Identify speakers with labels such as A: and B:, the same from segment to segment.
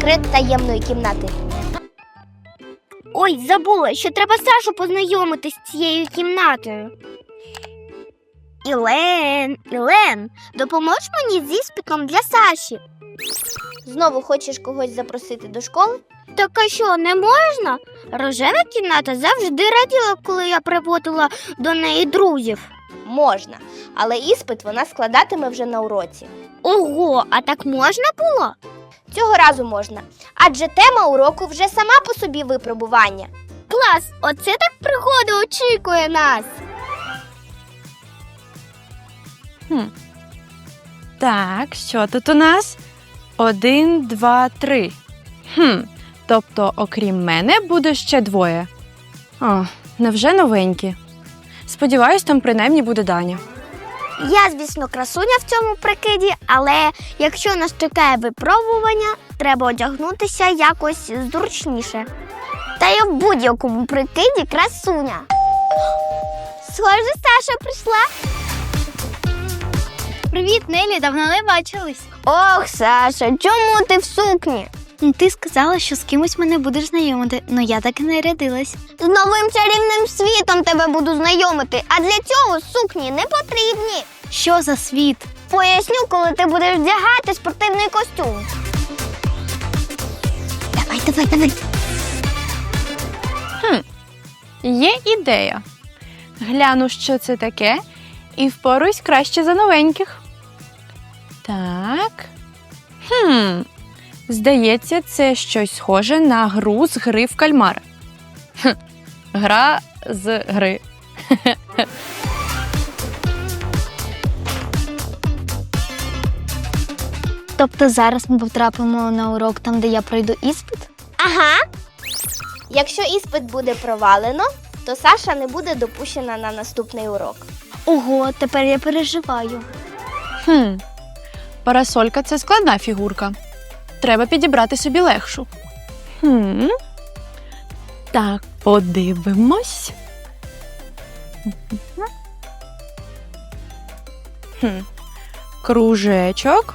A: секрет таємної кімнати.
B: Ой, забула, що треба Сашу познайомити з цією кімнатою. Ілен, допоможеш мені з іспитом для Саші?
A: Знову хочеш когось запросити до школи?
B: Так а що, не можна? Рожева кімната завжди раділа, коли я приводила до неї друзів.
A: Можна, але іспит вона складатиме вже на уроці.
B: Ого, а так можна було?
A: Цього разу можна, адже тема уроку вже сама по собі випробування.
B: Клас, оце так пригода очікує нас.
C: Так, що тут у нас? 1, 2, 3. Тобто, окрім мене, буде ще двоє. О, невже новенькі? Сподіваюсь, там принаймні буде Даня.
B: Я, звісно, красуня в цьому прикиді, але якщо нас чекає випробування, треба одягнутися якось зручніше. Та я в будь-якому прикиді красуня. Схоже, Саша прийшла. Привіт, Нелі, давно не бачились. Ох, Саша, чому ти в сукні? Ти сказала, що з кимось мене будеш знайомити, але я так і не рядилась. З новим чарівним світом тебе буду знайомити, а для цього сукні не потрібні. Що за світ? Поясню, коли ти будеш вдягати спортивний костюм. Давай.
C: Є ідея. Гляну, що це таке, і впоруюсь краще за новеньких. Так. Здається, це щось схоже на гру з гри в кальмара. Гра з гри.
B: Тобто зараз ми потрапимо на урок там, де я пройду іспит?
A: Ага. Якщо іспит буде провалено, то Саша не буде допущена на наступний урок.
B: Ого, тепер я переживаю.
C: Парасолька – це складна фігурка. Треба підібрати собі легшу. Так, подивимось. Кружечок.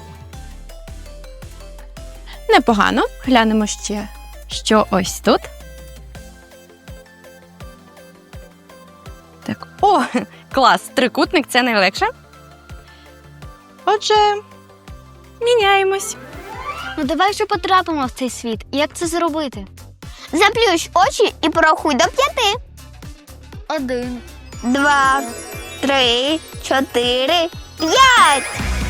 C: Непогано. Глянемо ще, що ось тут. Так, клас, трикутник – це найлегше. Отже, міняємось.
B: Ну давай вже потрапимо в цей світ. Як це зробити? Заплющ очі і порахуй до 5. 1, 2, 3, 4, 5.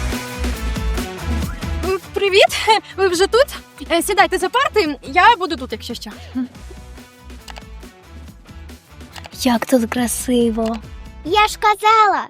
C: Привіт! Ви вже тут? Сідайте за парти, я буду тут, якщо що.
B: Як тут красиво. Я ж казала.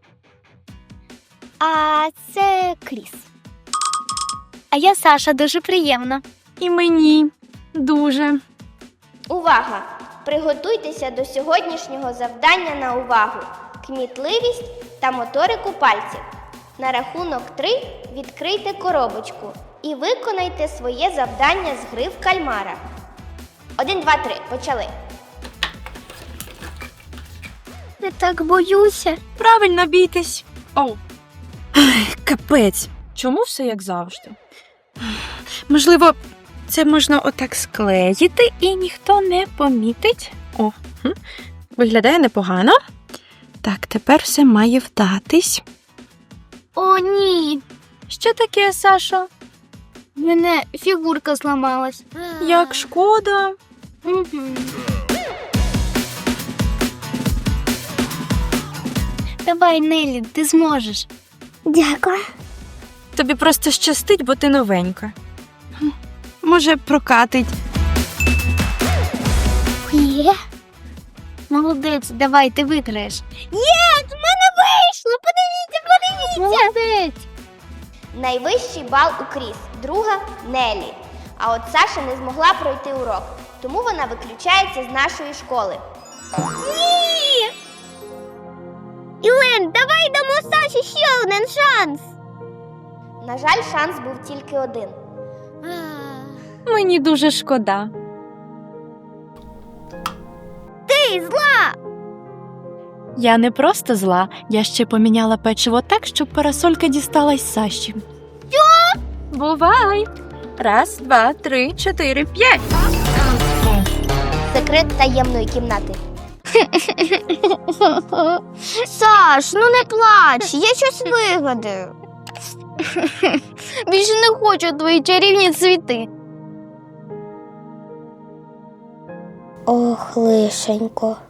B: А це Кріс. А я Саша, дуже приємно.
C: І мені дуже.
A: Увага! Приготуйтеся до сьогоднішнього завдання на увагу. Кмітливість та моторику пальців. На рахунок 3 відкрийте коробочку і виконайте своє завдання з гри в кальмара. 1, 2, 3. Почали.
B: Я так боюся.
C: Правильно, бійтесь. Капець. Чому все як завжди? Можливо, це можна отак склеїти і ніхто не помітить. Виглядає непогано. Так, тепер все має вдатись.
B: О, ні.
C: Що таке, Сашо?
B: В мене фігурка зламалась.
C: Як шкода.
B: Давай, Нелі, ти зможеш. Дякую.
C: Тобі просто щастить, бо ти новенька. Може, прокатить.
B: Є. Молодець, давай, ти виграєш. Є, в мене вийшло! Подивіться! Молодець!
A: Найвищий бал у Кріс, друга – Нелі. А от Саша не змогла пройти урок, тому вона виключається з нашої школи.
B: Ні! Ілен, давай дамо Саші ще один шанс.
A: На жаль, шанс був тільки один.
C: Мені дуже шкода.
B: Ти зла!
C: Я не просто зла, я ще поміняла печиво так, щоб парасолька дісталась Саші. Що? Бувай! Раз, два, три, 4, 5.
A: Секрет таємної кімнати.
B: Саш, ну не плач, я щось вигадаю. Більше не хочу твої чарівні цвіти.
A: Ох, лишенько.